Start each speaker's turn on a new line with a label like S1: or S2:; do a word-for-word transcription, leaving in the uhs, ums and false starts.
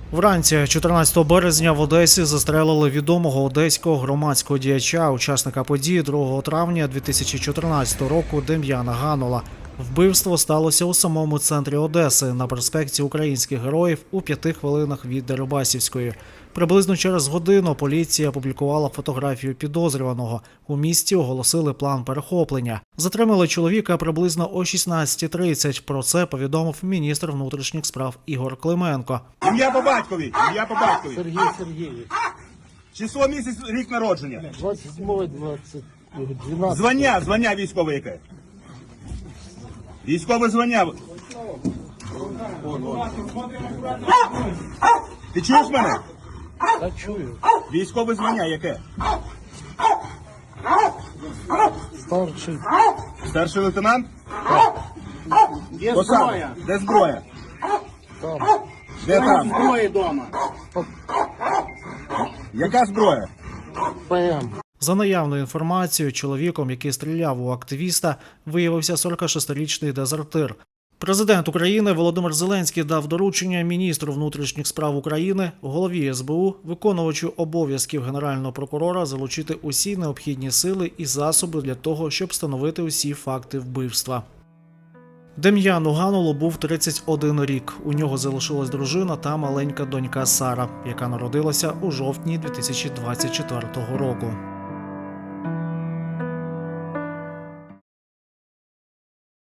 S1: Вранці чотирнадцятого березня в Одесі застрелили відомого одеського громадського діяча, учасника події другого травня дві тисячі чотирнадцятого року Дем'яна Ганула. Вбивство сталося у самому центрі Одеси, на проспекті Українських Героїв у п'яти хвилинах від Дерибасівської. Приблизно через годину поліція опублікувала фотографію підозрюваного. У місті оголосили план перехоплення. Затримали чоловіка приблизно о шістнадцятій тридцять. Про це повідомив міністр внутрішніх справ Ігор Клименко.
S2: Ім'я по батькові, ім'я по батькові.
S3: Сергій Сергійович.
S2: Число, місяць, рік народження.
S3: двадцять сьомого двадцять дванадцятого.
S2: Звання, звання військове яке? Військове звання. Ти чуєш мене?
S3: Та чую.
S2: Військове звання яке?
S3: Старший.
S2: Старший лейтенант?
S4: Є
S2: Посада.
S4: зброя.
S2: Де зброя?
S3: Там.
S2: Де там?
S4: Зброї вдома.
S2: Яка зброя?
S3: ПМ.
S1: За наявною інформацією, чоловіком, який стріляв у активіста, виявився сорокашестирічний дезертир. Президент України Володимир Зеленський дав доручення міністру внутрішніх справ України, голові ес бе у, виконувачу обов'язків Генерального прокурора залучити усі необхідні сили і засоби для того, щоб встановити усі факти вбивства. Дем'яну Ганулу був тридцять один рік. У нього залишилась дружина та маленька донька Сара, яка народилася у жовтні дві тисячі двадцять четвертого року.